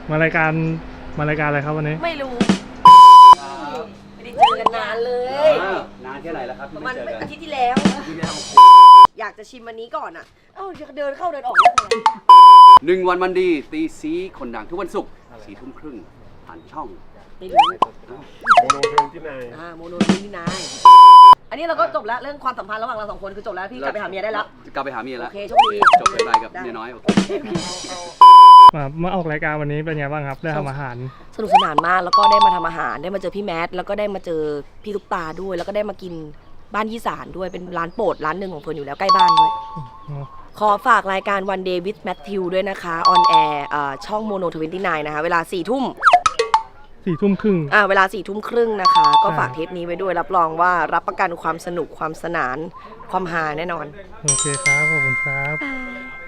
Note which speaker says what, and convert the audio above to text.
Speaker 1: มารายการอะไรครับวันนี้
Speaker 2: ไม่รู้ไม่ได้เจอกันนานเลย
Speaker 3: นานแค่ไหนแล้วครับ
Speaker 2: ประมาณอาทิตย์ที่แล้ว อยากจะชิมวันนี้ก่อนอ่ะเดินเข้าเดินออก
Speaker 3: 1 วันมันดีตีซีคนดังทุกวันศุกร์4 ทุ่มครึ่งผ่านช่อง
Speaker 2: ไม่รู้
Speaker 4: โมโนเทนที่ไหน
Speaker 2: โมโนที่นายอันนี้เราก็จบแล้วเรื่องความสัมพันธ์ระหว่างเรา2 คนคือจบแล้วพี่กลับไปหาเมียได้แล้ว
Speaker 3: กลับไปหาเมียแล้ว
Speaker 2: โอเคโชคดี
Speaker 3: จบไปกับเมียน้อยโอเค
Speaker 1: มาออกรายการวันนี้เป็นไงบ้างครับได้ทำอาหาร
Speaker 2: สนุกสนานมากแล้วก็ได้มาทำอาหารได้มาเจอพี่แมทแล้วก็ได้มาเจอพี่ตุ๊กตาด้วยแล้วก็ได้มากินบ้านยี่สานด้วยเป็นร้านโปรดร้านหนึ่งของเฟิร์นอยู่แล้วใกล้บ้านด้วยขอฝากรายการ One Day with Matthew ด้วยนะคะออนแอร์ช่อง Mono 29นะคะเวลา4 ทุ่ม
Speaker 1: ครึ่ง
Speaker 2: เวลา4 ทุ่มครึ่งนะคะก็ฝากเทปนี้ไว้ด้วยรับรองว่ารับประกันความสนุกความสนานความฮาแน่นอน
Speaker 1: โอเคครับขอบคุณครับ